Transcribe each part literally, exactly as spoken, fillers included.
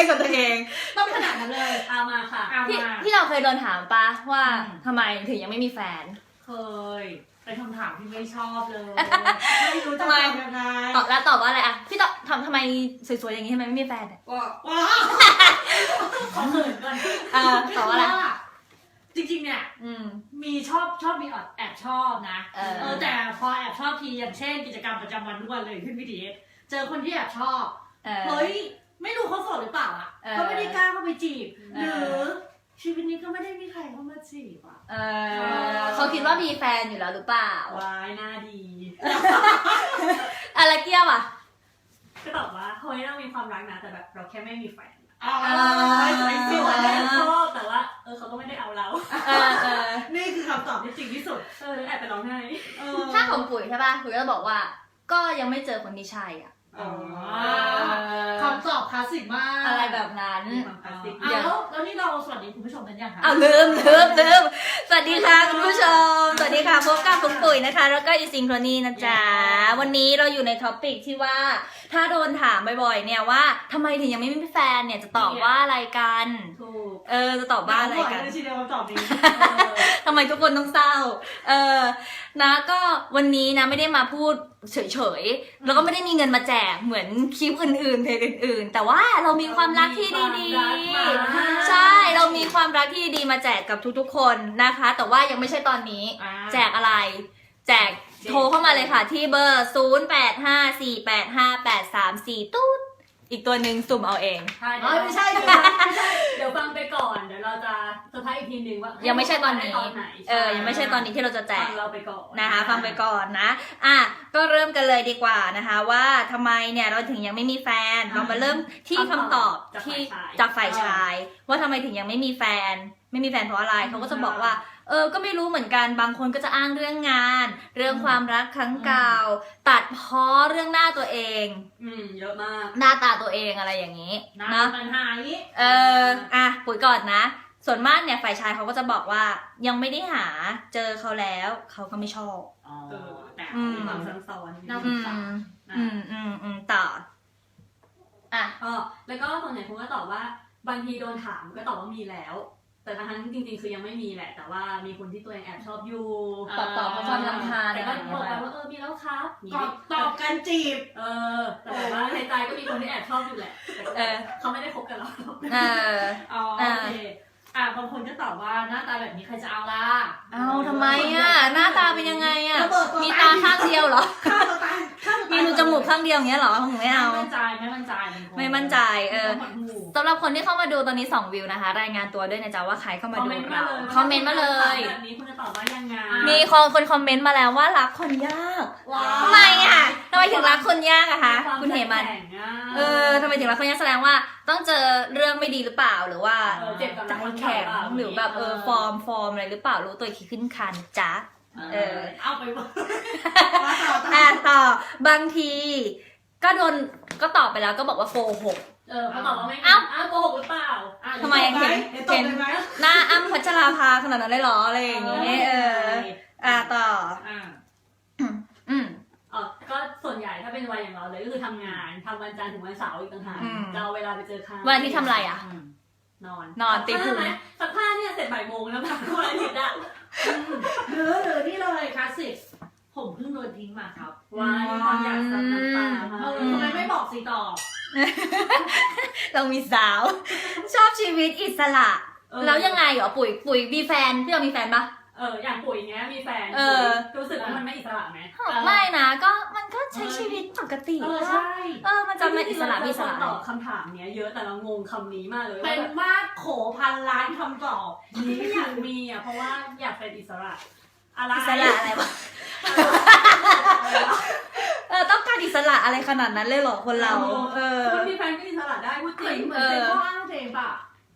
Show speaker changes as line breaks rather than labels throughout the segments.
ล่นกับตัวเอง
ต้องขนาดนั้นเลยเอามาค่ะเอา
พี่
มา
พี่เราเคยโดนถามปะว่าทำไมถึงยังไม่มีแฟน
เคยเป็นคำถามที่ไม่ชอบเลยไม่รู้จะตอบยังไง
ตอบแล้วตอบว่าอะไรอะพี่ตอบทำทำไมสวยๆอย่างนี้ทำไมไม่มีแฟน
ว้าว้าขอเขินก่อน
เออตอบว่าอะไร
จริงๆเนี่ยมีชอบชอบมีแอบชอบนะเออแต่พอแอบชอบทีอย่างเช่นกิจกรรมประจำวันทุกวันเลยขึ้นวิดีโอเจอคนที่แอบชอบเฮ้ยไม่รู้เขาโสดหรือเปล่าอ่ะเขาไม่ได้กล้าเข้าไปจีบหรือชีวิตนี้ก็ไม่ได้มีใครเข้ามาจีบอ่ะ
เขาคิดว่ามีแฟนอยู่แล้วหรือเปล่าว
ายน่าดี
อะไรเกี้ยวอ่ะ
ก็ตอบว่าเฮ้ยเรามีความรักนะแต่แบบเราแค่ไม่มีแฟน
อ๋อ
ไม่ว่าแอบชอบแต่ว่าเออเขาก็ไม่ได้เอาเรานี่คือคำตอบที่จริงที่สุดเออแอบไปร้องไห้
ถ้าของปุ๋ยใช่ป่ะปุ๋ยก็บอกว่าก็ยังไม่เจอคนที่ใช่อ่ะ
คำตอบคลาสสิกมาก
อะไรแบบนั้น
แล้วแล้วนี่เราสวัสดีคุณผู้ชมกันยังคะ
อ้าวลืมลืมลืมสวัสดีค่ะคุณผู้ชมสวัสดีค่ะพบกับปุ๊กปุ๋ยนะคะแล้วก็อีซิงโครนีนะจ๊ะวันนี้เราอยู่ในท็อปิกที่ว่าถ้าโดนถามบ่อยๆเนี่ยว่าทำไมถึงยังไม่มีแฟนเนี่ยจะตอบว่าอะไรกัน
ถูก
เออจะตอบว่าอะไรกัน
ชีเดียวตอบนี้
ทำไมทุกคนต้องเศร้าเออนะก็วันนี้นะไม่ได้มาพูดเฉยๆแล้วก็ไม่ได้มีเงินมาแจกเหมือนคลิปอื่นๆเพลงอื่นๆแต่ว่าเรามีความรักที่ดีๆใช่เรามีความรักที่ดีมาแจกกับทุกๆคนนะคะแต่ว่ายังไม่ใช่ตอนนี้แจกอะไรแจกโทรเข้ามาเลยค่ะที่เบอร์ศูนย์ แปด ห้า สี่ แปด ห้า แปด สาม สี่ตุ๊ดอีกตัวหนึ่งสุ่มเอาเอง
ไม่ใช่ไม่ใช่เดี๋ยวฟังไปก่อนเดี๋ยวเราจะเซอร์ไพรส์อีกทีนึงว่า
ยังไม่ใช่ตอนนี้เออยังไม่ใช่ตอนนี้ที่เราจะแจก
ฟังเราไปก่อน
นะคะฟังไปก่อนนะอ่ะก็เริ่มกันเลยดีกว่านะคะว่าทำไมเนี่ยเราถึงยังไม่มีแฟนเรามาเริ่มที่คำตอบที่จากฝ่ายชายว่าทำไมถึงยังไม่มีแฟนไม่มีแฟนเพราะอะไรเขาก็จะบอกว่าเออก็ไม่รู้เหมือนกันบางคนก็จะอ้างเรื่องงานเรื่องความรักครั้งเก่าตัดพ้อเรื่องหน้าตัวเอง
อืมเยอะมาก
หน้าตาตัวเองอะไรอย่างนี้
นะปัญหา
เอออ่ะปุ๋ยก่อนนะส่วนมากเนี่ยฝ่ายชายเขาก็จะบอกว่ายังไม่ได้หาเจอเขาแล้วเขาก็ไม่ชอบ
อ๋อแต่มีความซับซ้อน
น่าสงสารอืมอืมอืมต่ออ่ะ
อ๋อแล้วก็ส่วนใหญ่คุณก็ตอบว่าบางทีโดนถามก็ตอบว่ามีแล้วแต่ทั้งจริงๆคือยังไม่มีแหละแต่ว่ามีคนที่ตัวเองแอบชอบอยู่
ตอบตอบเพราะความรำคาญ
แต่ก็บอกไปว่าเออมีแล้วครับตอบกันจีบเออแต่แบบว่าในใจก็มีคนที่แอบชอบอยู่แหละแต่เขาไม่ได้คบกันหรอก
เออ
อ๋อโอเคอ่ะบางคนก็ตอบว่าหน้าตาแบบนี้ใครจะเอาล่ะ
เอาทำไมอ่ะหน้าตาเป็นยังไงอ่ะมีตาข้างเดียวเหรอมีรูจมูกข้างเดียวอย่างเงี้ยเหรอผมไม่เอา
ไม่มั่นใจไม่มั่นใจ
ไม่มั่นใจเออสำหรับคนที่เข้ามาดูตอนนี้สองวิวนะคะรายงานตัวด้วยนะจ๊ะว่าใครเข้ามาดูเราคอมเมนต์มาเลย
แบบนี้คุณจะตอบว่ายังไง
มีคนคนคอมเมนต์มาแล้วว่ารักคนยากทำไมอ่ะทำไมถึงรักคนยากอะคะคุณเหมันเออทำไมถึงรักคนยากแสดงว่าต้องเจอเรื่องไม่ดีหรือเปล่าหรือว่าใจแข็งหรือแบบเออฟอร์มฟอร์มอะไรหรือเปล่ารู้ตัวขี้ขึ้นคันจ๊ะ
เออเอาไปว่า
อ่ะต่อบางทีก็โดนก็ตอบไปแล้วก็บอกว่าโกหก
เออเขาตอบว่าไม่อ้าวอ้าวโกหกหรือเปล่า
ทำไมเห็นเห็นหน้าอ้ำพัชราภาขนาดนั้นเลยหรออะไรอย่างเงี้ยเอออ่ะต่อ
อ่า
อืม
เออก็ส่วนใหญ่ถ้าเป็นวัยอย่างเราเลยก็คือทำงานทำวันจันทร์ถึงวันเสาร์อีกต่างหากจะเอาเวลาไปเจอใคร
วันที่ทำอะไรอ่ะ
นอน
นอนตีพุง
สักผ้าเนี่ยเสร็จบ่ายโมงแล้วแบบทุกวันอาทิตย์อ่ะหรือหรือนี่เลยคลาสสิกผมเพิ่งโดนทิ้งมาครับว้ายความอยากซับน้ำตาเออทำไมไม่บอกสิต่อ
เรามีสาวชอบชีวิตอิสระแล้วยังไงเหรอปุ๋ยปุ๋ยมีแฟนพี่เรามีแฟนปะ
เอออย่างปุ๋ยอย่างเงี้ยมีแฟนรู้สึกว่ามันไม่อิสระไหม
ไม่นะก็มันก็ใช้ชีวิตปกติ
เออใช่
เออมันจะไม่อิสระอิสระ
ตอบคำถามเนี้ยเยอะแต่เรางงคำนี้มากเลยเป็นมากโขพันล้านคำตอบที่ไม่อยากมีอ่ะเพราะว่าอยากเป็นอิสระอะไร
อิสระอะไรวะเออต้องการอิสระอะไรขนาดนั้นเลยเหรอคนเราเออ
คนมีแฟนก็อิสระได้พูดจริงเหมือนเป็นข้ออ้างเจมป่ะ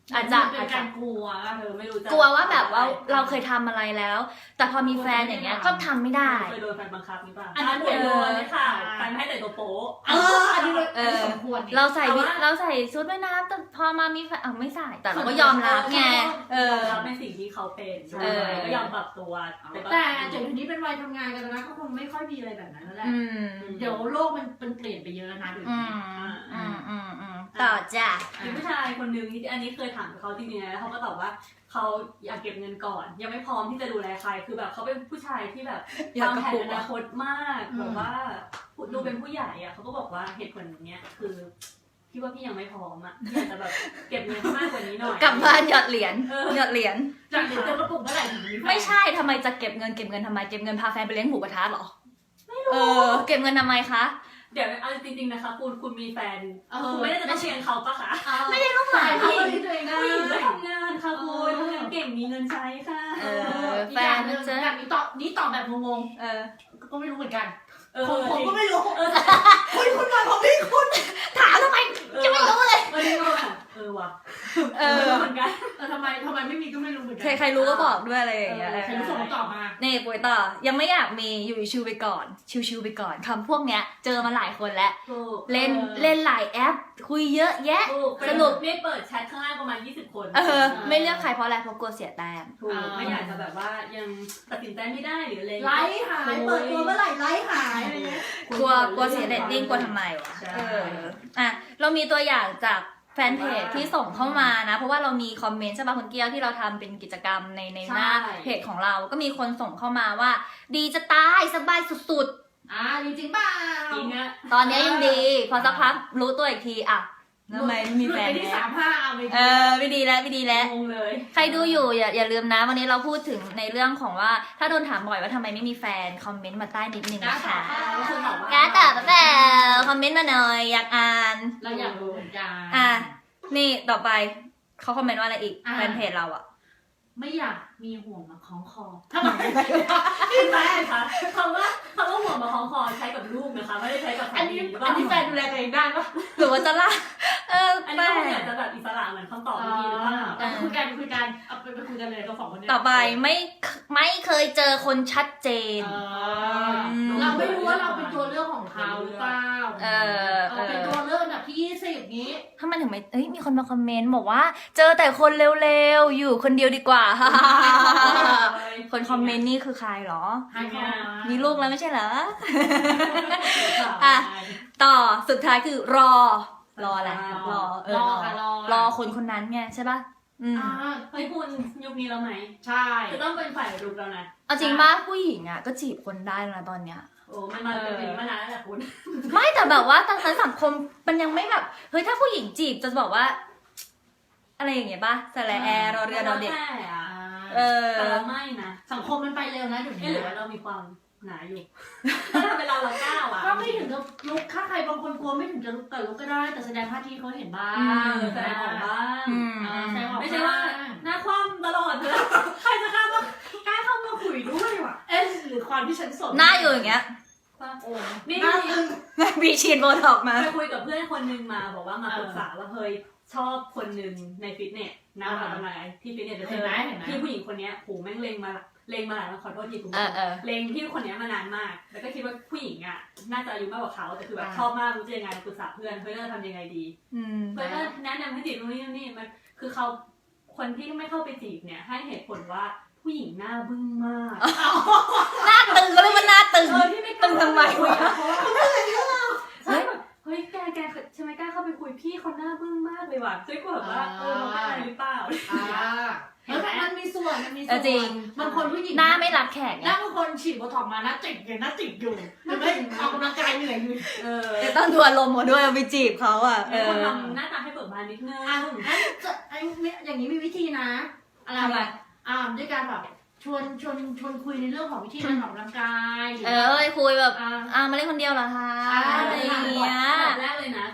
อาจจะ
เป็
อาจ
น
จะ
การกลัว
เธอไม่รู้จะ
กลัวว่าแบบว่าเราเคยทำอะไรแล้ว แต่พอมีแฟนอย่างเงี้ยก็ทำไม่ได้
เคยโดนแฟนบังคับนี่ป่ะ
อันนั้น
เคยโดน
เออ
เลยค่ะแฟนไม่ให้แต่งตัวโป๊ะ
เอออันนี้
เออ
สมควรนี่
เราใส่
แต่ว่า
เราใส่ชุดว่ายน้ำแต่พอมามีแฟนอ่ะไม่ใส่แต่เราก็ยอมรับไงเออ
ยอมรับในสิ่งที่เขาเป็น
เออ
ก็ยอมปรับตัว
แต่เดี๋ยวนี้เป็นวัยทำงานกันแล้วนะก็คงไม่ค่อยมีอะไรแบบนั้นแล้วแหละ
อืม
เดี๋ยวโลกมันมันเปลี่ยนไปเยอะแล้วนะเดี๋ยว
อื
นี้
มอืมอืมอืมต่อจ้ะ
มีผู้ชายคนนึงที่อันนี้เคยถามเขาจริงๆนะแล้วเขาก็ตอบว่าเขาอยากเก็บเงินก่อน ยังไม่พร้อมที่จะดูแลใครคือแบบเขาเป็นผู้ชายที่แบบ
อยาก
วาง
กระ
แผน
ปุก
อนาคตมากแบบว่าดูเป็นผู้ใหญ่อะเขาก็บอกว่าเหตุผลเนี้ยคือพี่ว่าพี่ยังไม่พร้อมอะพี่อาจจะแบบเก็บเงินมากกว่านี้หน่อย
กลับบ้านหยอดเหรียญ
เออ
หยอดเหรียจ
จากเดี๋ยวเจอกระปุกเมื่อไหร่ถึงมีแฟน
ไม่ใช่ทำไมจะเก็บเงินเก็บเงินทำไมเก็บเงินพาแฟนไปเลี้ยงหมูกระทะเหรอเออเก็บเงินทำไมคะ
เดี๋ยวเอาจริงๆนะคะคุณคุณมีแฟน
เออ
คุณไม่ได้จะต้องเชียงเขาปะคะ
ไม่ได้ต้องหมายเขาที่ตัวเองได้
ผู้หญิงก็ทำงานค่ะคุณทำงานเก่งมีเงินใช้ค่ะ
เออ
แฟนนึงอย่างนี้ตอบนี้ตอบแบบงง
เออ
ๆก็ไม่รู้เหมือนกัน
เออ
ผมผมก็ไม่รู้
เออ
คุณคุณมาผมพี่คุณ
ถามทำไมจะไม่รู้เลย
เออนี่ก็แบบเออว่ะ
เออ
ไม่รู้เหมือนกัน
เออทำไมทำไมไม่มีก็ไม่รู้เหมือนกั
ใครใครรู้ก็บอกด้วยอะไรอย่างเงี้ย
เออใครรู้ส่งตอบมา
นี่ปุ้ยต่อยังไม่อยากมีอยู่ชิวๆไปก่อน ชิวๆไปก่อนคำพวกเนี้ยเจอมาหลายคนแล้ว
ถูก
เล่นเล่นหลายแอป คุยเยอะแยะ
ถูก
สนุก
ไม่เปิดแชทข้างล่างประมาณยี่สิบคน
เออ ไม่เลือกใครเพราะอะไรเพราะกลัวเสียแต้ม
ถูกไม่อยากจะแบบว่ายังตัดสินใจไม่ได้หรืออะไร
ไลฟ์หายเปิดตัวเมื่อไหร่ไลฟ์หายอะไรเงี้ย
กลัวกลัวเสียเรตติ้งกลัวทำไมวะ
ใช่
เอออ่ะเรามีตัวอย่างจากแฟนเพจที่ส่งเข้ามานะ เพราะว่าเรามีคอมเมนต์ใช่ป่ะคุณเกี้ยวที่เราทำเป็นกิจกรรมในในหน้าเพจของเราก็มีคนส่งเข้ามาว่า ดีจะตายสบายสุด
อ่าจริงเปล่า
จริงอะ
ๆ ตอนนี้ยังดี พอสักพักรู้ตัวอีกทีอ่ะทำไมไม่มีแฟน
หลุดไปที่
แล้
สาว มห้าเอาไป
เออไม่ดีแล้วไม่ดีแล้ว
งงเลย
ใครดูอยู่อย่าอย่าลืมนะ วันนี้เราพูดถึงในเรื่องของว่าถ้าโดนถามบ่อยว่าทำไมไม่มีแฟนคอมเมนต์มาใต้นิดนึง
กล้า
นะ
ตอ
คะ
บค่ะ
ก็คือตอบว่า
กล้าตอบแบบคอมเมนต์มาหน่อยอยากอ่าน
เราอยากรู้เหมือนกัน
อ่ะนี่ต่อไปเขาคอมเมนต์ว่าอะไรอีก
อ่ะ
แฟนเพจเราอะ
ไม่อยากมีห่วงมาคล้องคอทำไม
พี่แฟนคะคำว่าคำว่าห่วงมาคล้องคอใช้กับลูกนะคะไม่ได้ใช้กับ
อันนี้
หรือเป
อั
ล่าน
นี้แฟนดูแลตัวเองได้ปะ
หรือว่าจะล่าเออ
อัน
แป
นี้
ล
ก็อยากจะแบบอิสระเหมือนคำตอบเมื่อกี้หรือเปล่า
แต่คุยกันคุยกันเอาไปไปคุยกันเลยเราสองคนเนี่ย
ต่อไปไม่ไม่เคยเจอคนชัดเจน
เออเราไม่รู้ว่าเราเป็นตัวเลือกของเขาหรือเปล่า
เออ
เออเป็นตัวเลือกอันดับที่ยี่สิบนี้
ถ้ามันถึงไม่เอ้ยมีคนมาคอมเมนต์บอกว่า เจอแต่คนเร็วๆอยู่คนเดียวดีกว่า คนคอมเมนต์นี่คือใครเหรอ
ให้เขา
มีลูกแล้วไม่ใช่เหรอ อ่ะ ต่อสุดท้ายคือรอ รออะไรรอเออ
ร
ร
อ
อ
ค่ะรอ
รอคนคนนั้นไงใช่ป่ะอืม
อ่า
เฮ้ยคุณยุคนี้แล้วไหม
ใช่
จะต้องเป็นฝ่ายรุกแล้วนะ
เอาจริงป่ะผู้หญิงอ่ะก็จีบคนได้แล้วนะตอนเนี้ย
โอ้มันมาเป็นอย่างนี้มานานแล้วแหละคุณ
ไม่แต่แบบว่าตอนนั้นสังคมมันยังไม่แบบเฮ้ยถ้าผู้หญิงจีบจะบอกว่า อะไรอย่างเงี้ยป่ะสระแอร์รอเรือรอเด็ก
แม่อะ
เออ
แต่เราไม่นะ
สังคมมันไปเร็วนะเดี๋ยว
เอ๊ะ
นี้
หรือว่าเรามีความหนาอยู่ ถ้าทำเป็นเราเราก้าวอ่ะ
ก็ไม่ถึงกับลุกถ้าใครบางคนกลัวไม่ถึงจะลุกแต่ลุกก็ได้ แต่แสดงท่าทีเขาเห็นบ้าง
อืม
แสดงออกบ้าง
อืม
เออแสดงออก
ไม่ใช่ว่าหน้าคว่ำตลอดเลยใครจะกล้ามากล้าเข้ามาคุยด้วยวะ
เอ๊ะหรือความที่ฉันสน
หน้าอยู่อย่างเงี้ย
โอ้
นี่
หน้าตึง
มีฉีดโบท็อกซ์มา
ไปคุยกับเพื่อนคนนึงมาบอกว่ามาปรึกษาว่าเฮ้ยชอบคนนึงในฟิตเนสนะออกกำลังกายที่ฟิตเนสเจอพี่ผู้หญิงคนนี้โหแม่งเลงมาเลงมาหลายวันขอโทษทีคุณ
เออเออ
เลงพี่คนนี้มานานมาก แล้วก็คิดว่าผู้หญิงอ่ะน่าจะอายุมากกว่าเขาแต่คือแบบ
อ่า
ชอบมากรู้จะยังไงปรึกษาเพื่อนเพื่อนจะทำยังไงดี
อืม
เพื่อนก็แนะนำให้จีบตรงนี้ตรงนี้มันคือเขาคนที่ไม่เข้าไปจีบเนี่ยให้เหตุผลว่าผู้หญิงหน้าบึ้งมาก
หน้าตึงก็เลยว่าหน้าตึง
เออที่ไม่กล้า
ตึงทำไมวะ
เพราะว่าใช่แบบเฮ้ยแกแกใช่ไหมกล้าเข้าไปคุยพี่เขาหน้าบึ้งมากเลยว่ะซึ่งก็แบบว่าเออเราเป็นอะไรหรือเปล่า
อ่าเห็นไหมมันมีส่วนมันมี
เอ
ส่ว
อน จริง
บางคนผู้หญิง
หน้าไม่รับแขก
ห
ไง
น้าบางคนฉีดโบท็อกซ์มาหน้าติดอย่างหน้าติดอยู่หรือไม่ออกกำลังกายเหนื่อยอยู่
เออ
จะต้องดูอารมณ์มาด้วยเอาไปจีบเขาอ่ะเอ
เป็นคน
อ
ทำหน้าตาให้เบิกบานนิดนึง
อ่ะงั้นจะไอ้เนี่ยอย่างนี้มีวิธีนะอะไร
ทำไม
อ่าด้วยการแบบชวนชวนชวนคุยในเรื่องของวิธีการออกกำลังกาย
เออคุยแบบ
อ่า
อ่ามาเล่นคนเดียวเหรอคะ
อ่า
อะไรอย่างเงี้ย
อันดับแรกเลยนะคือ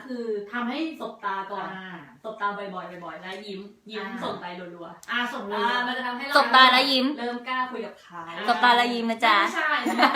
ทำให้
สบตาก่อน
อ่า
สบตาบ่อยๆบ่อยๆแล้วยิ้มยิ้ม
อ่า
ส่งไปรัว
อ่าส่ง
ๆ
เล
อ่าย มันจะทำให้เรา
สบตาแล้วยิ้ม
เริ่มกล้าคุยกับเขา
สบตาแล้วยิ้มนะจ๊ะ
ไม่ใช่ไม่ใช่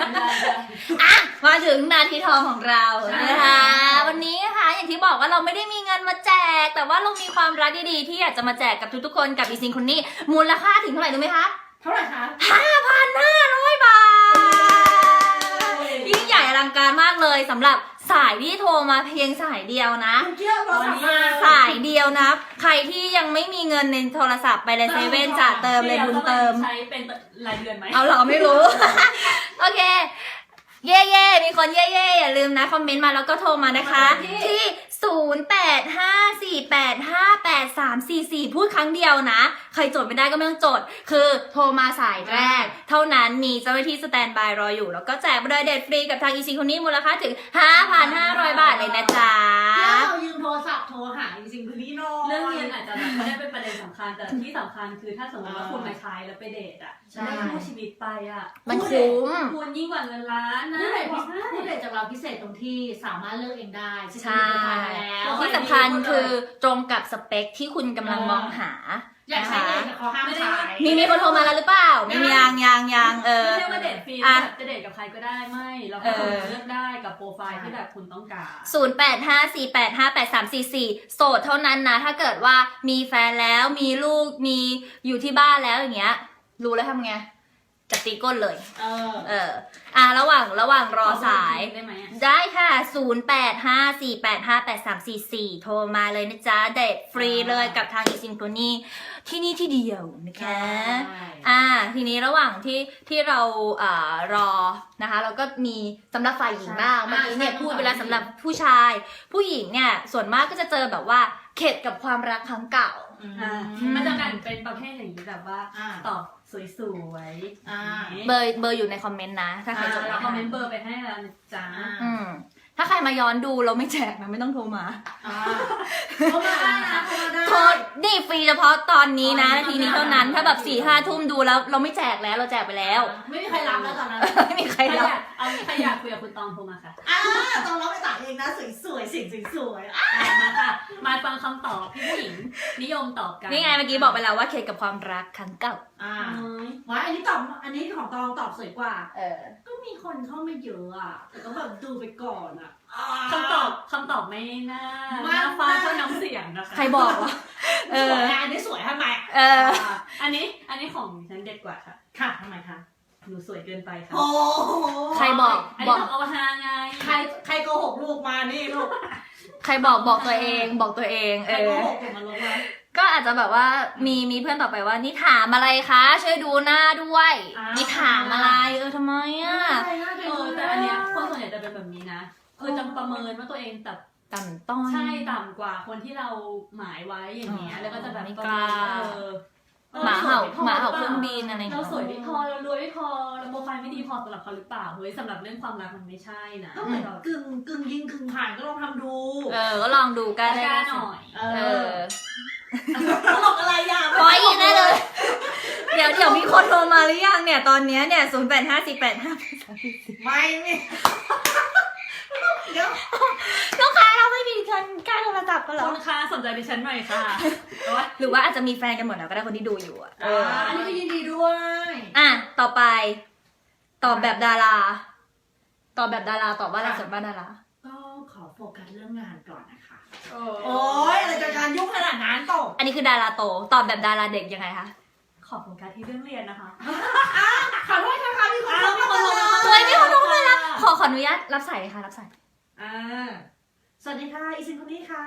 มาถึงนาทีทองของเรา
ใช่
นะคะ วันนี้นะคะอย่างที่บอกว่าเราไม่ได้มีเงินมาแจก แต่ว่าเรามีความรักดีๆที่อยากจะมาแจกกับทุกๆคนกับอีซิงคนนี้มูลค่าถึงเท่าไหร่รู้ไหมคะ
เท่าไหร่คะ
ห้าพันห้าร้อยบาทยิ่งใหญ่อลังการมากเลยสำหรับสายที่โทรมาเพียงสายเดียวนะ
คุณเกี่ยวโทรศัพท์มา
สายเดียวนะ ใครที่ยังไม่มีเงินในโทรศัพท์ไปเลยเซเว่นจ่าเติมเลยบุญเติม
ใช้เป็นรายเดือนไหม
เอาเหรอไม่รู้ โอเค เย่เย่มีคนเย่เย่อย่าลืมนะ คอมเมนต์มาแล้วก็โทรมานะคะ ที่ ศูนย์ แปด ห้า สี่ แปด ห้า แปด สาม สี่ สี่ พูดครั้งเดียวนะ ใครจดไม่ได้ก็ไม่ต้องจด คือโทรมาสายแรก เท่านั้นมีเจ้าหน้าที่สแตนบายรออยู่ แล้วก็แจกบริเดตฟรีกับทางอีซีคนนี้มูลค่าถึง ห้าพันห้าร้อย บาทเลยนะจ๊ะ
เกี่ยวยืมโทรศัพท์โทรหาจริงๆคือนี่น้อย
เรื่องเรียนอาจจะแบบไม่ได้เป็นประเด็นสำคัญแต่ที่สำคัญคือถ้าสมมติว่าคุณมาใช้แล้วไปเดทอ่ะ
ใช่
ได้คู่ชีวิตไปอ่ะ
มันคุ้ม
คุณยิ่งกว่าเงินล้านนะ
ผู้เด็ก
ไม่ใช่
ผู้เด็กจากเราพิเศษตรงที่สามารถเลือกเองได้
ใช่
ซึ่งมีโปรไฟล์มาแล้ว
ที่สำคัญคือตรงกับสเปคที่คุณกำลังมองหา
อยากใช้เองแต่เขาห้ามใช้
มีมีคนโทรมาแล้วหรือเปล่าไม่มียังยังยังเออ
ไม่ใช่ว่าเดทฟรี
อ่ะ
แบบจะเดทกับใครก็ได้ไม่เราก็
เออ
เลือกได้กับโปรไฟล์ที่แบบคุณต้องการ
ศูนย์ แปด ห้า สี่ แปด ห้า แปด สาม สี่ สี่ โสดเท่านั้นนะ ถ้าเกิดว่ามีแฟนแล้วมีลูกมีอยู่ที่บ้านแล้วอย่างเงี้ย รู้แล้วทำไงจะตีก้นเลย
เออ
เออ อ่ะระหว่างระหว่างรอสาย
ได้ไหมอะ
ได้ค่ะ ศูนย์ แปด ห้า สี่ แปด ห้า แปด สาม สี่ สี่ โทรมาเลยนะจ๊ะ เดทฟรีเลยกับทางอีซิงโ o นี่ที่นี่ที่เดียวนะคะ อ่า ทีนี้ระหว่างที่ที่เราอ่ารอนะคะเราก็มีสำหรับฝ่ายหญิงบ้าง
ใช่
เมื่อกี้เนี่ย
ใช่
พูดไปแล้วสำหรับผู้ชาย ผู้หญิงเนี่ยส่วนมากก็จะเจอแบบว่าเข็ดกับความรักครั้งเก่า
อ่า
อืม
มันจะแบ่งเป็นประเภทอย่างนี้แบบว่า
อ่า
ตอบสวยๆ
อ่า
เบอร์เบอร์อยู่ในคอมเมนต์นะ ถ้าใครจด
เรา
ไม่
คอม
ทั
เม
น
นต์เบอร์ไปให้แล้วนะจ้า
อืมถ้าใครมาย้อนดูเราไม่แจกนะไม่ต้องโทรมา
อ่าเขามาได้นะเขามาได้
โทษนี่ฟรีเฉพาะตอนนี้นะ
อ๋อ
นาทีนี้เท่านั้นถ้าแบบสี่ห้าทุ่มดูแล้วเราไม่แจกแล้วเราแจกไปแล้ว
ไม่มีใครรับแล้วตอนนั้น
ไม่มีใค
ใค
ร
ร
รั
อบ ยากเอาใครอยากคุยกับคุณตองโทรมาค่ะ
อ่าตอนเราไปตัดเองนะสวยๆสิ่งสวยๆอ่ะ
อ่ะมาค่ะ มาฟังคำตอบที่ผู้หญิงนิยมตอบกัน
นี่ไงเมื่อกี้บอกไปแล้วว่าเข็ดกับความรักครั้งเก่า
อ่า
อ๋อ
ว้ายอันนี้ตอบอันนี้ของตองตอบสวยกว่า
เออ
ก็มีคนเข้ามาเยอะอ่ะแต่ก็แบบดูไปก่อนอ่ะ
คำตอบคำตอบไม่น่า
ไม่
น่าฟ้าเท่าน้ำเสียงนะคะ
ใครบอกวะ เอ
ส
อ
วยนะอันนี้สวยทำไม
เออ
อ่ะอันนี้อันนี้ของฉันเด็ดกว่าค่ะ
ค่ะทำไมคะ
หนูสวยเกินไปค่ะ
โอ้โห
ใครบอก
อัน
บ
นี้
อก
ของอวตารไง
ใครใครโกหกลูกมานี่ลูก
ใครบอกบอกตัวเองบอกตัวเอง
ใค
เอ
รโก
อ
หกผมมาลงมา
ก็อาจจะแบบว่ามีมีเพื่อนต่อไปว่านี่ถามอะไรคะช่วยดูหน้าด้วย
อ่า
นี่ถามอะไรเออทำไมอ่ะ
ใช่น่าจะ
เออแต่อันเนี้ยคนส่วนใหญ่จะเป็นแบบนี้นะคือจะประเมินว่าตัวเองแต่
ต่ำต้อย
ใช่ต่ำกว่าคนที่เราหมายไว้อย่างเงี้ย
อ๋อ
แล้วก็จะแบบ
ไม่
ประ
ก
เมิ
ล้า
นเออ
หมาเห่า
รสวยไพ
หมาเห่า
ปล่
เครื่องบินอะไรอย่างเงี้
เรา
ย
สวยไม่พอเรารวยไม่พอเราโปรไฟล์ไม่ดีพอสำหรับเขาหรือเปล่าเฮ้ยสำหรับเรื่องความรักมันไม่ใช่นะ
ก็เหมือนกึ่งกึ่งยิงกึ่งผ่านก็ลองทำดู
เออก็ลองดูกัน
ก
ได้
ล้าหน่อย
เอ
เอ
อ
อ
ตลกอะไรอ่ะ
พอยอีกได้เลย เดี๋ยวเดี๋ยวมีคนโทรมาหรือยังเนี่ยตอนเนี้ยเนี่ยศูนย์แปดห้าสี่แปดห้าแปดสามสี่สี่
ไม่ไม่เดี๋ยว
ลูกค้าเราไม่มีคนกล้าโทรศัพท์กันเหรอ
คุณค้าสนใจดิฉันหน่อยค่ะโอ๊ย
หรือว่าอาจจะมีแฟนกันหมดแล้วก็ได้คนที่ดูอยู่อ่ะเออ
อันนี้ก็ยินดีด้วย
อ่ะต่อไป ตอบแบบดารา ตอบแบบดาราตอบว่าอะไรส่วนบ้านดารา
ก็ขอโฟกัสเรื่องงานก่อนนะคะ
โอ้
โอ้ยอะไรจะการยุ่งขนาดนั้นตก
อันนี้คือดาราโต ตอบแบบดาราเด็กยังไงคะ
ขอโฟกัสที่เรื่องเรียนนะคะ
ขอโทษนะคะมีคน
อ้าว
เข้ามา
มีคนโทรมา
เฮ้ยมีคนโทรมาแล้วขอขออนุญาตรับสายเลยค่ะรับสาย
อ่าสวัสดีค่ะอีซินคนนี้ค่ะ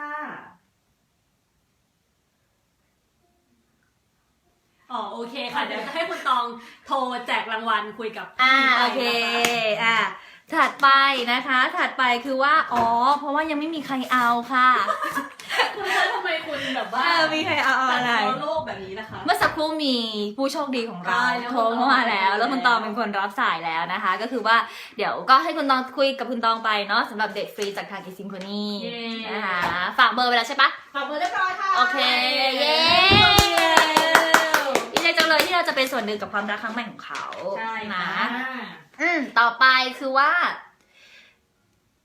อ๋อโอเคค่ะเดี๋ยวจะให้คุณตองโทรแจกรางวัลคุยกับ
อ่า
พี่
โอเค
ไปนะคะ
อ่าถัดไปนะคะ ถัดไปคือว่าอ๋อเพราะว่ายังไม่มีใครเอาค่ะ
คุณคะทำไมคุณแบบว่า
เออมีใครเอาอะไร
ตัดพ้โลกแบบนี้นะคะ
เมื่อสักครู่มีผู้โชคดีของเรา
ใช่แล้ว
โทรเข้ามาแล้ว แล้วคุณตองเป็นคนรับสายแล้วนะคะ ก็คือว่าเดี๋ยวก็ให้คุณตองคุยกับคุณตองไปเนาะสำหรับเดทฟรีจากทางอีซิงโคนี่
เย้
นะคะฝากเบอร์ไปแล้วใช่ปะ
ขอบคุณเรียบร้อยค่ะ
โอเค เย้ดีใจจังเลยที่เราจะเป็นส่วนหนึ่งกับความรักครั้งใหม่ของเขา
ใช่
นะ
ค่ะ
อ่า
อืมต่อไปคือว่า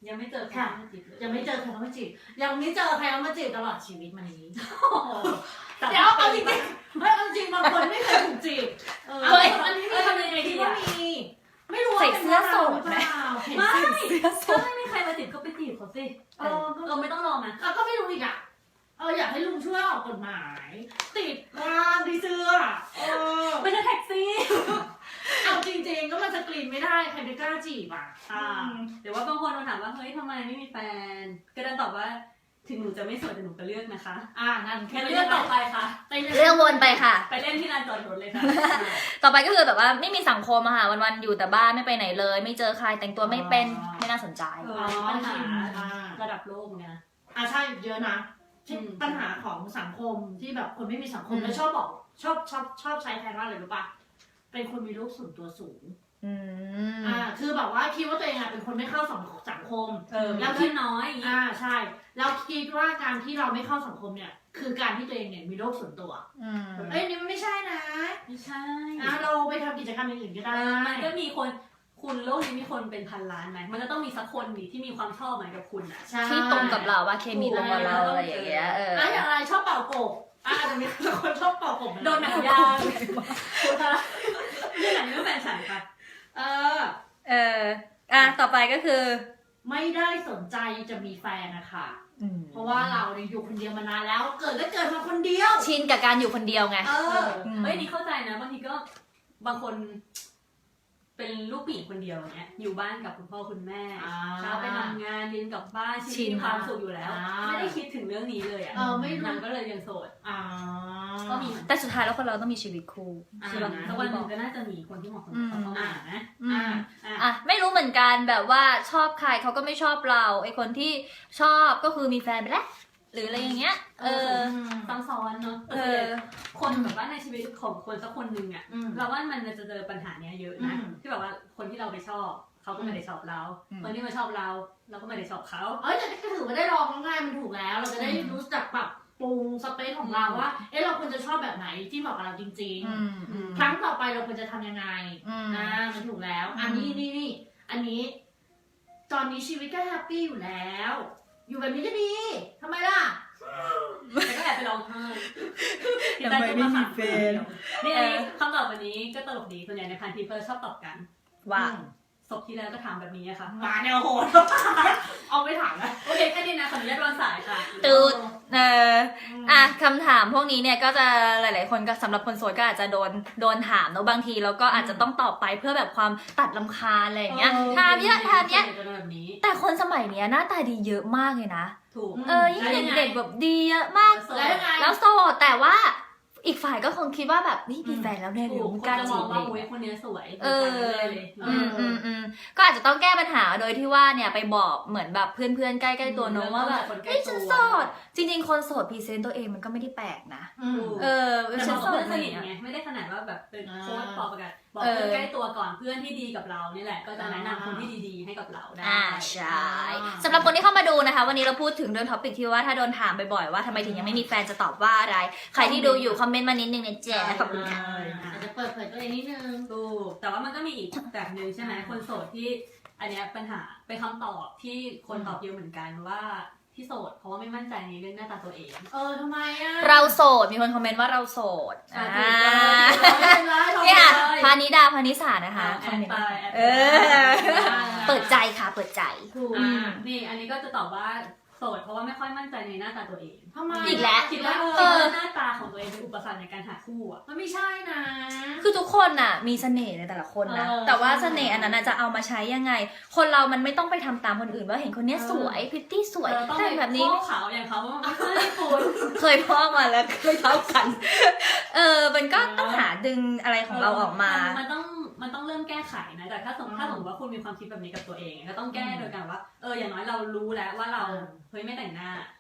ยังไม่เจอใครมาจีบเลย
ยังไม่เจอใครเข้ามาจีบยังไม่เจอใครเข้ามาจีบตลอดชีวิตมานี้
แต่
เดี๋ยวเอาจริงๆไม่เอาจริงบางคนไม่เคยถูกจีบ
เออ
เอาอันนี้
เออทำยังไงดี
ก็
อะ
มีไม่รู้ว่า
ใส่เสื้อโสด
ไห
ไห
ม
ม
เห็น
ไม่
เสื้อ
ถ้าไม่มีใครมาจีบก็ไปจีบเขาสิ
เออ
เออไม่ต้องรอนะ
แล้วก็ไม่รู้อีกอ่ะเอออยากให้ลุงช่วยออกกฎหมาย ติดวางที่เสื้อเออ
ไม่ใช่แท็กซี่
เอาจริงๆก็มันสกรีนไม่ได้ใครไปกล้าจีบอ่ะ
อ่าเดี๋ยวว่าบางคนมาถามว่าเฮ้ยทำไมไม่มีแฟน ก็ดันตอบว่าถึงหนูจะไม่สวยแต่หนูก็เลือกนะคะ
อ่านั่นแค่
งั้นเลือกต่อไปค่ะ
ไปเลย
เรื่องวนไปค่ะ
ไปเล่นที่ลานจอดรถเลยค่ะ
ต่อไปก็คือแบบว่าไม่มีสังคมอะค่ะวันๆอยู่แต่บ้านไม่ไปไหนเลย ไม่เจอใครแต่งตัวไม่เป็นไม่น่าสนใจ
เอ
อ๋อ
อปัญหา
อ่า
ระดับโลกเนี่ยนะ
อ่าใช่เยอะนะเช่น
อืม
ปัญหาของสังคมที่แบบคนไม่มีสังคม
อืม
แล้วชอบบอกชอบชอบชอบใช้แทนว่าอะไรรู้ปะเป็นคนมีโรคส่วนตัวสูง
อืม
อ่าคือแบบว่าคิดว่าตัวเองอ่ะเป็นคนไม่เข้าสังสังคม
เออ
แล้
แล้ว
ว
คิดน้อยอย่างงี้
อ่าใช่แล้วคิดว่าการที่เราไม่เข้าสังคมเนี่ย คือการที่ตัวเองเนี่ยมีโรคส่วนตัว
อืม
เอ้ยนี่มันไม่ใช่นะ
ไม่ใช่
อ่าเราไปทำกิจกรรมอย่างอื่นก็
เอ
ได้
อมันก็มีคนคุณโลกนี้มีคนเป็นพันล้านไหมมันก็ต้องมีสักคนดิที่มีความชอบเหมือนกับคุณอ่ะ
ใช่
ที่ตรงกับเราว่าเคมีตรงกับเราอะไรอย่างเงี้ยเออ
อ่ะอย่างไรชอบเป่ากบอ่ะอาจจะมีคนชอบเป่ากบ
โดนหนังยางคุณคะเรื่องหนังเรื่องแฟนฉันค่ะ
เออ
เอออ่ะต่อไปก็คือ
ไม่ได้สนใจจะมีแฟนนะคะ
อืม
เพราะว่าเราเนี่ยอยู่คนเดียวมานานแล้ว เกิดก็เกิดมาคนเดียว
ชินกับการอยู่คนเดียวไง
เอ
เอ
อ
อเฮ้ยนี่เข้าใจนะบางทีก็บางคนเป็นลูกผู้หญิงคนเดียวอย่างเงี้ยอยู่บ้านกับคุณพ่อคุณแม่
อ่า
เช้าไปทำงานเย็นกลับบ้านชี
ชิ
วิต
น
มีความสุขอยู่แล้ว
อ่า
ไม่ได้คิดถึงเรื่องนี้เลยอ่ะ
เออไม่รู้
นางก็เลยยังโสด
อ่า
ก็มีเหมือนกัน
แต่สุดท้ายแล้วคนเราต้องมีชีวิตคู่
อ่า
ใช่ปะ
สักวันหนึ่งก็น่าจะมีคนที่เหมาะสมกับเขาเข้ามานะ
อืม
อ่า
อ่ะ
อ่ะไม่รู้เหมือนกันแบบว่าชอบใครเขาก็ไม่ชอบเราไอคนที่ชอบก็คือมีแฟนไปแล้วหรืออะไรอย่างเงี้ย เออ
ซ้ำซ้อนเนาะ
เออ
คนแบบว่าในชีวิตของคนสักคนหนึ่งอ่ะ
อืม
เราว่ามันจะเจอปัญหาเนี้ยเยอะนะ
อืม
ที่แบบว่าคนที่เราไปชอบเขาก็ไม่ได้ชอบเรา
อืม
คนที่มาชอบเรา เราก็ไม่ได้ชอบเขา
เอ้ยแต่ก็ถือว่าได้ลองง่ายมันถูกแล้ว เราจะได้รู้จักแบบปรุงสเปซของเราว่า เอ๊ะเราควรจะชอบแบบไหนที่เหมาะกับเราจริง
อืมอืม
ๆ ครั้งต่อไปเราควรจะทำยังไง
อืม
อ่ามันถูกแล้ว อันนี้นี่นี่อันนี้ ตอนนี้ชีวิตก็แฮปปี้อยู่แล้ว อยู่แบบนี้ก็ดีทำไมล่ะ
แต่ก็แอบไปร้องไห้
ทำไมไม่มีแฟน
นี่คำตอบวันนี้ก็ตลกดีส่วนใหญ่ในพันทิปเปอร์ชอบตอบกัน
ว่า
ศพที่แล้วก็ถามแบบนี้อะค่ะ
มาแนวโหด เอาไม่ถามนะ
โอเคแค่นี้นะขออนุญาตวางสายค่ะ
ตูด เอออ่ะคำถามพวกนี้เนี่ยก็จะหลาย ๆ คนก็สำหรับคนโสดก็อาจจะโดนโดนถามเนอะบางทีแล้วก็อาจจะต้องตอบไปเพื่อแบบความตัดลำคาญอะไรอย่างเงี้ยถามเยอะถามเยอะ
จะโดนแบบนี้
แต่คนสมัยเนี้ยหน้าตาดีเยอะมากเลยนะ
ถูก
เออยิ่งเด็กๆแบบดีเยอะมาก
แล้วยังไง
แล้วโสดแต่ว่าอีกฝ่ายก็คงคิดว่าแบบนี่มีแฟนแล้วแน่เลย
ถูก
ไม่
ค
ก
น
ล้า
จะม
จี
อง
บเล
ว่าย อุ้ยคนเนี้ยสวย
เออ
เลย
อืมอืมอืมก็อาจจะต้องแก้ปัญหาโดยที่ว่าเนี่ยไปบอกเหมือนแบบเพื่อนๆใกล้ๆตัวน้องว่าแบบ
คนใกล้
เฮ้ย
ตั
ฉัน
ว
โสดจริงๆคนโสดพรีเซนต์ตัวเองมันก็ไม่ได้แปลกนะ
อืม
เออ
แต่
ฉั
บ
น
อก
โส
เพื่
ด
อน
อะ
ส
ไร
นิท
เงี้ย
ไงไม่ได้ขนาดว่าแบบเป็น
อ่า
โค้ชปอประกาศบอก
เออ
เพื่อนใกล้ตัวก่อนเพื่อนที่ดีกับเรานี่แหละ ก็จะแนะนำคนที่ดีๆให้กับเราได้
อ่าใช่สำหรับคนที่เข้ามาดูนะคะ วันนี้เราพูดถึงเรื่องท็อปิกที่ว่าถ้าโดนถามบ่อยๆว่าทำไมถึงยังไม่มีแฟนจะตอบว่าอะไร ใครที่ดูอยู่คอมเมนต์มานิดนึงนะแจ๊ขอบคุณค่ะ
อาจจะเปิดเผยตัวเองนิดนึง
ถูกแต่ว่ามันก็มีอีกแบบหนึ่งใช่ไหมคนโสดที่อันเนี้ยปัญหาเป็นคำตอบที่คนตอบเยอะเหมือนกันว่าที่โสดเพราะว่าไม่มั่นใจในเรื่องหน้าตาตัวเอง
เออทำไมอ่ะ
เราโสดมีคนคอมเมนต์ว่าเราโสด
อ่า
อ่า
ถูก
เนี่ย
เลย
พานิดาพานิสานะคะ
แอ
คอม
ด
เมนต์
ไป
มา
แอด
เอ
ไป
อ เปิดใจค่ะเปิดใจ
ถูก
อ่านี่อันนี้ก็จะตอบว่าโสดเพราะว่าไม่ค่อยมั่นใจในหน้าตาตัวเอง
ทำไม
อีกแล้ว
คิดว่า
เอ
คิด
อ
ว่าหน้าตาของตัวเองเป็นอุปสรรคในการหาคู่อ่ะ
มันไม่ใช่นะ
คือทุกคนน่ะมีเสน่ห์ในแต่ละคนนะ
เออ
แต่ว่าเสน่ห์อันนั้นน่ะจะเอามาใช้ยังไง คนเรามันไม่ต้องไปทำตามคนอื่นว่าเห็นคนเนี้ยสวยพริตตี้สวย
เออต้อง
แต่
เป็น
แบบนี้
พวกขาวอย่างเขาว่ามันไม่ใช่คุณ
เคยพ่อมาแล้วเคยเท่ากัน เออ มันก็ต้องหาดึงอะไรของเราออกมา
นมันต้องมันต้องเริ่มแก้ไขนะแต่ถ้าสมมติถ้าสมมติว่าคุณมีความคิดแบบนี้กับตัวเองก็ต้องแก้โดยการว่าเอออย่างน้อยเรารู้แล้วว่าเราเฮ้ยไม่แต่งหน้า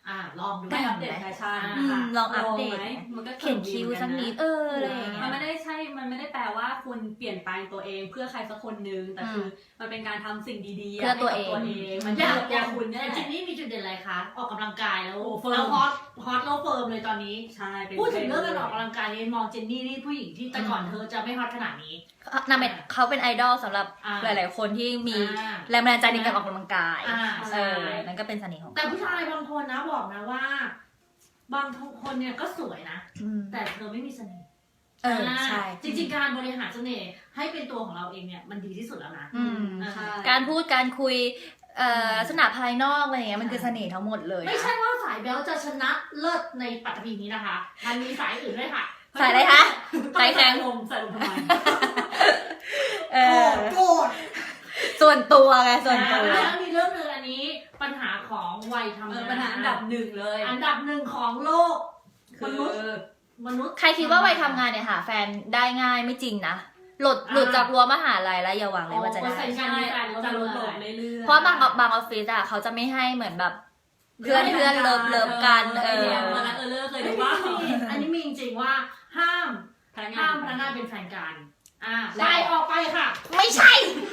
อ่าลองดู
ได้อัปเดตแฟชั่น
อืมลองอัปเดต
ไหมมันก็
เขียนคิ้วสักนิดเอออะไรอย่างเงี้
มัน
ย
ไม่ได้ใช่ มันไม่ได้แปลว่าคุณเปลี่ยนแปลงตัวเองเพื่อใครสักคนนึงแต่คือมันเป็นการทำสิ่งดีๆ
เพื่อตัวเอง
ให้กับตัวเองมัน
อยาก
เพื่อตัวคุณเนี่ย
จริงๆนี่มีจุดเด่นอะไรคะออกกำลังกายแล้ว
โอ้เฟิร์ม
แล้วฮอตฮอตแล้วเฟิร์มเลยตอนนี้
ใช่เป็น
พูดถึงเรื่องการออกกำลังกายนี่มองเจนนี่นี่ผู้หญิงที่แต่ก่อน
อืม
เธอจะไม่ฮอตขนาดนี้
นางเป็นเขาเป็นไอดอลสำหรับ
อ่า
หลาย ๆ คนที่มี
อ่า
แรงบันดาลใจในการออกกำลังกาย
อ่า
เอ
ใช่
อนั่นก็เป็นเสน่ห์ของ
แต่ผู้ชายบางคนนะบอกนะว่า บางคนเนี่ยก็สวยนะ
อืม
แต่เธอไม่มีเสน่ห์
เออใช่
จริงๆการบริหารเสน่ห์ให้เป็นตัวของเราเองเนี่ยมันดีที่สุดแล้วนะ
อืม
ใช่
การพูดการคุยเอ่อลักษณะภายนอกอะไรอย่างเงี้ยมันคือเสน่ห์ทั้งหมดเลยนะ
ไม่ใช่ว่าสายแบลจะชนะเลิศในปัตตภีนี้นะคะ มันมีสายอื่นด้วยค่ะ
สายอะไรคะสายแข็ง
ลมใส่ลมทำไม
เออ
โกรธ
ส่วนตัวไงส่วนตัว
แล้วมีเรื่องหนึงอันนี้ปัญหาของวัยทำาน
เอองปัญหาอันดับหนึ่งเลย
อันดับหนึ่งของโลกม
คือ
นุษย์มนุษย์
ใครคิดว่าวัยทำงานเนี่ยหาแฟนได้ง่ายไม่จริงนะ หลุดหลุดจากรั้วมหาลัยแล้วอย่าหวังเลยว่าจะ
เปอร์
ได้
เซ็นต์การ
ใช่
มีแฟนลด
จะล
ล
ด
ง
ลงเรื่อยๆ
เพราะบางบางออฟฟิศอะเขาจะไม่ให้เหมือนแบบ เพื่อนเพื่อนเลิฟเลิฟกันเออ
มาแล้วเออเลิกเคย
ไม่
ดู
มี
ว่า
อันนี้มีจริงๆว่าห้าม
พนักงา
ห้าม
น
พนักงานเป็นแฟนกันอ่า
แล้ว
ไปออกไปค่ะ
ไม่ใช่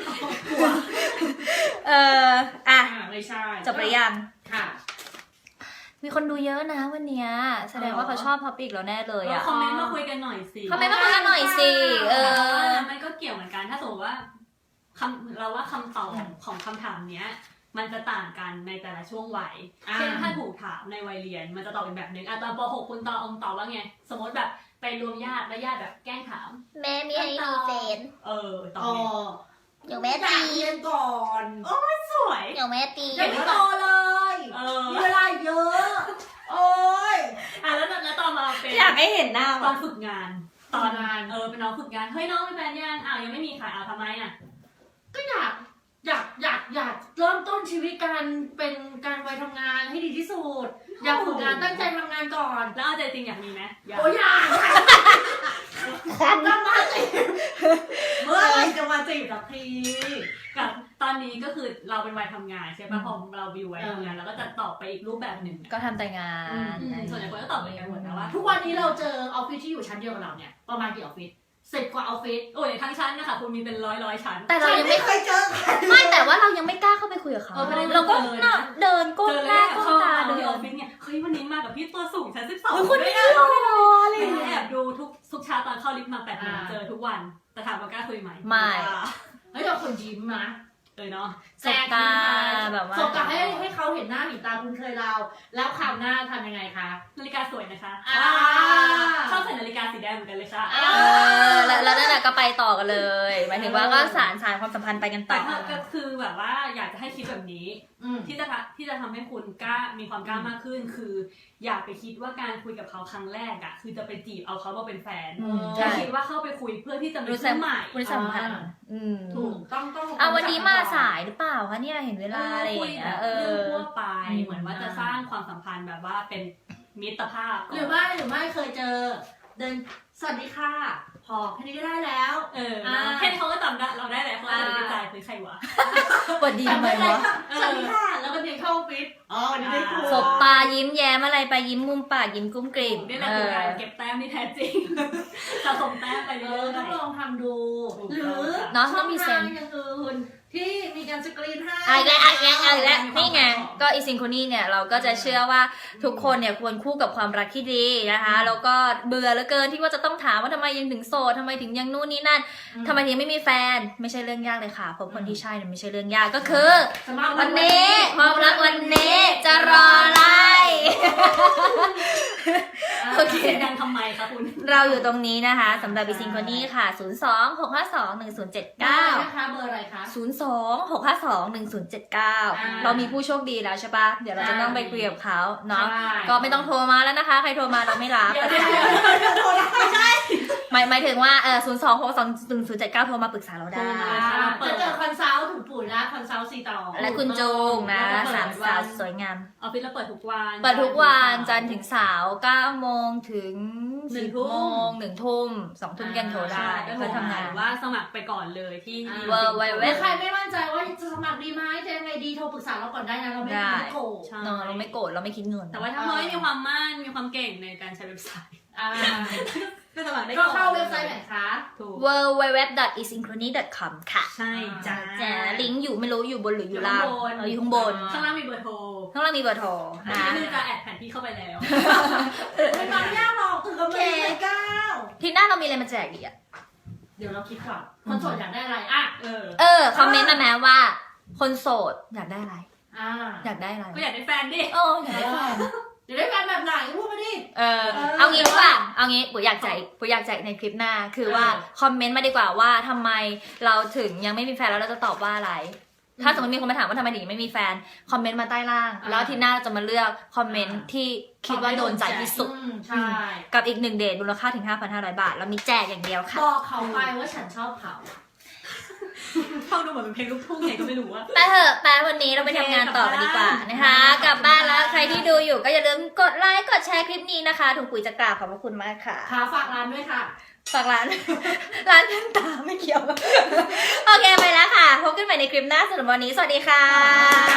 เอออ่ะ
อ่าไม่ใช่
จบหรือยัง
ค่ะ
มีคนดูเยอะนะวันเนี้ยแสดงว่าเขาชอบท็อปิกเราแน่เลยอะ
คอมเมนต์มาคุยกันหน่อยสิ
คอมเมนต์มาคุยกันหน่อยสิเออ
มันก็เกี่ยวเหมือนกันถ้าสมมติว่าคำเราว่าคำตอบของคำถามเนี้ย มันจะต่างกันในแต่ละช่วงวัย
อ่า
เช่นถ้าถูกถามในวัยเรียน มันจะตอบเป็นแบบหนึงอ่ะตอนป .หก คุณตอบองตอบว่าไง สมมติแบบไปรวมญาติแล้วญาติแบบแกล้งถาม
แม่มีให้มีแฟน
เออตอบ
อ๋อ
ไง
เดี๋ยวแม่
อยา
ตี
กเรียนก่อน
สวย
เดี๋ยวแม่ตี
ยังไม่โตเลย
เออ
มีเวลาเยอะ โอ้ย
อ่ะแล้วแล้วตอนมาเป็น
อยากให้เห็นหน้า
ตอนฝึกงาน ตอน
ฝึกงาน
เออเป็นน้องฝึกงานเฮ้ยน้องมีแฟนยังอ้าวยังไม่มีค่ะอ้าวทำไมอ่ะ
ก็อยากอยากอยากอยากเริ่มต้นชีวิตการเป็นการวัยทำงานให้ดีที่สุด อยากฝึกงานตั้งใจทำงานก่อน
แล้วเอาใจจริงอยากมีไหมอยาก
โอ้ยอยากจะมาจีบเมื่อไหรจะมาจีบสักที
กับตอนนี้ก็คือเราเป็นวัยทำงานใช่ป่ะ
อืม
พอเราวิววัยทำงานเราก็จะตอบไปอีกรูปแบบหนึ่ง
ก็ทำแต่งาน
อืมส่วนใหญ่คนก็ตอบเหมือนกันหมดนะว่า
ทุกวันนี้เราเจอออฟฟิศที่อยู่ชั้นเดียวกับเราเนี่ยประมาณกี่ออฟฟิศสิบกว่าออฟฟิศ
โอ้ยทั้งชั้นนะคะคุณมีเป็นร้อยร้อยชั้น
แต่เรายังไม่
เคยเจอใคร
ไม่แต่ว่าเรายังไม่กล้าเข้าไปคุยกับเขา
เออไม่ได้
เราก็
เจอเลยนะ
น่ะเดินก้ม
เจอ
ห
แร
น้าก ก้ม
เข้า
ตา
มา
เดิ
ที่ออน ฟฟิศเนี่ยเฮ้ยวันนี้มากับพี่ตัวสูงชั้นสิบสอง
เฮ้ยคนนี้
ด้วย
หล่
อะ
ออะไรอย่าง
ไม่
เงี้ย
แอบดูทุกทุกเช้าตอนเข้าลิฟต์มาแปดโมงเจอทุกวันแต่ถามว่ากล้าคุยไหม
ไม่
เฮ้ยเราคนยิ้มนะ
เออเนาะ
สบตาแบบว่า
สบตาให้ให้เขาเห็นหน้าเห็นตาคุ้นเคยเรา แล้วคราวหน้าทำยังไงคะ
นาฬิกาสวยนะคะ
อ่า
ชอบใส่นาฬิกาสีแดงเหมือนกันเลยค่ะ
เออแล้วแล้วนั่นแหละก็ไปต่อกันเลยหมายถึงว่าก็สารสารความสัมพันธ์ไปกันต่
แต่
อ
ถ้าก็คือแบบว่าอยากจะให้คิดแบบนี้
อืม
ที่จะทำที่จะทำให้คุณกล้ามีความกล้ามากขึ้น คือ อย่าไปคิดว่าการคุยกับเขาครั้งแรกอ่ะคือจะไปจีบเอาเขามาเป็นแฟน
อืม
แค่
ใช่
คิดว่าเข้าไปคุยเพื่อที่จะมี
รู้สึ
เพื่
ก
อนใหม่
รู้สัมพันธ์อืม
ถูกต้องต้อง
อ่ะวันนี้มาสายหรือเปล่าคะเนี่ยเห็นเวลาอะไรอย่างเงี้ยเอ
เรื่อง
อ
ทั่วไป
อืม
เหมือนว่าจะสร้างความสัมพันธ์แบบว่าเป็นมิตรภาพก่น
หรือไม่หรือไม่เคยเจอ เดินสวัสดีค่ะพอแค่นี้ก็ได้แล้ว
เออ
อ่า
แค่นี้เขาก็จำได้เราได้แหละเขาอาจจะไม่ใจคือใครวะ
ปวดดีทำไมวะ
สวัสดีค่ะแล้วก็เดินเข้าออฟฟิศอ๋อวันนี้ได้คุย
สบตายิ้มแย้มอะไรไปยิ้มมุมปากยิ้มกุ้มกริ่ม
นี่แหละคือการเก็บแต้มที่แท้จริงสะสมแต้มไป
เอ
เรื่
อ
อย
ต้องลองทำดู
ถูก
หรื
ต้อง
อ
ค่ะ
เนาะ
ช่
ต้
อ
อง
ง
มีเซ
ทาง
นส์
อย่างอื่นที่มีการสกรีนให้
อ่ะอีกแล้วอ่ะอีกแล้วอ่ะอีกแล้วนี่ไงก็อีซิงโคนีเนี่ยเราก็จะเชื่อว่าทุกคนเนี่ยควรคู่กับความรักที่ดีนะคะแล้วก็เบื่อเหลือเกินที่ว่าจะต้องถามว่าทำไมยังถึงโสดทำไมถึงยังนู่นนี่นั่นทำไมถึงไม่มีแฟนไม่ใช่เรื่องยากเลยค่ะพบคนที่ใช่เนี่ยไม่ใช่เรื่องยากก็คือ
สมัคร
วันนี้ความรักวันนี้จะรออะไร โอเค
เสียงดังทำไมคะคุณ
เราอยู่ตรงนี้นะคะสำหรับอีซิงโคนีค่ะศูนย์ สอง หก ห้า สอง หนึ่ง ศูนย์ เจ็ด
เก้า
เก้า
นะคะเบอร์อะไรคะ
ศูนย์ สอง หก ห้า สอง หนึ่ง ศูนย์ เจ็ด เก้า
อ่า
เรามีผู้โชคดีแล้วใช่ปะเดี๋ยวเราจะต้องไปคุยกับเขาเนาะ
ใช่
ก็ไม่ต้องโทรมาแล้วนะคะ ใครโทรมาเราไม่รับ
เดี๋ยวเดี๋ยวเดี๋ยวเดี๋ยวโทรได้ไม่ใช่
หมายหมายถึงว่าเออศูนย์ สอง หก สอง หนึ่ง ศูนย์ เจ็ด เก้าโทรมาปรึกษาเราได้
โทรมา
จะเจอคอนซัลท์ถูกคุณปู่นะคอนซัลท์ซีต่อ
และคุณโจงนะสามสาวสวยงาม
ออฟฟิศเราเปิดทุกวัน
เปิดทุกวันจันทร์ถึงเสาร์เก้าโมงถึง
หนึ่
สิ
ง
บ
ทุ่ม
โมงหนึ่งทุ่มสองทุ่มกันโทรได้
ก็
เพื่อทำงาน
ว่าสมัครไปก่อนเลยที่
เวอร์ไวเว็
ถ้า
บ
ใครไม่มั่นใจว่าจะสมัครดีไหมจะยังไงดีโทรปรึกษาเราก่อนได้นะเราไม่
ได้
ไม่โกรธ
ใช่
เนอะเราไม่โกรธเราไม่คิดเงิน
แต่ว่าถ้าเฮ้ยมีความมั่นมีความเก่งในการใช้เว็บไซต์
อ่า
ก็สมัครได้
ก็
อน
เข้าเว็บไซต์ไหนคะ
ถูก
ดับเบิลยู ดับเบิลยู ดับเบิลยู ดอท อี ซิงโครนี ดอท คอม ค่ะ
ใช่จ้า
จะลิงก์อยู่ไม่รู้อยู่บนหรืออยู่ล่าง
อยู่ข้างบน
เอออยู่ข้างบน
ข้างล่างมีเบอร์โทร
ข้างล่างมีเบอร์โทร
อัน
นะ
นี้คือจะแอดแผนที่เข้าไปแล้ว
ไม่ต้องยากหรอกถึงกับไม่ได้ก้าว
ทีหน้าเรามีอะไรมาแจกอีกอ่ะ
เดี๋ยวเราคิดก่อนคนโสดอยากได้อะไรอ่ะ
เออ
เออ คอมเมนต์มาแม้ว่า คนโสดอยากได้อะไร
อ่า
อยากได้อะไร
ก็อยากได้แฟนดิ
โอ้อยากได้แฟน
อยากได้แฟนแบบไหนพูดมาดิ
เออ เอางี้ดีกว่า เอางี้ปุ๋ยอยากแจกปุ๋ยอยากแจกในคลิปหน้า คือว่าคอมเมนต์มาดีกว่าว่าทำไมเราถึงยังไม่มีแฟนแล้วเราจะตอบว่าอะไร ถ้าสมมติมีคนมาถามว่าทำไมถึงยังไม่มีแฟน คอมเมนต์มาใต้ล่าง แล้วทีหน้าเราจะมาเลือกคอมเมนต์ที่คิดว่าโดนใจที่สุด
อืมใช่
กับอีกหนึ่งเดทมูลค่าถึง ห้าพันห้าร้อย บาท แล้วมีแจกอย่างเดียวค่ะ
บอกเขาไปว่าฉันชอบเขา
ฟังดูเหมือนเป็นเพลงลูกทุ่งไงก็ไม่รู้ว่า
ไปเถอะไปวันนี้เราไปทำงานต่อกันดีกว่านะคะ กลับบ้านแล้วใครที่ดูอยู่ก็อย่าลืมกดไลค์กดแชร์คลิปนี้นะคะถุงปุ๋ยจะกราบขอบพระคุณมากค่ะ
ค่ะฝากร้านด้วยค่ะ
ฝากร้าน ร้านแว่นตาไม่เกี่ยว โอเคไปแล้วค่ะ พบกันใหม่ในคลิปหน้าสำหรับวันนี้สวัสดีค่ะ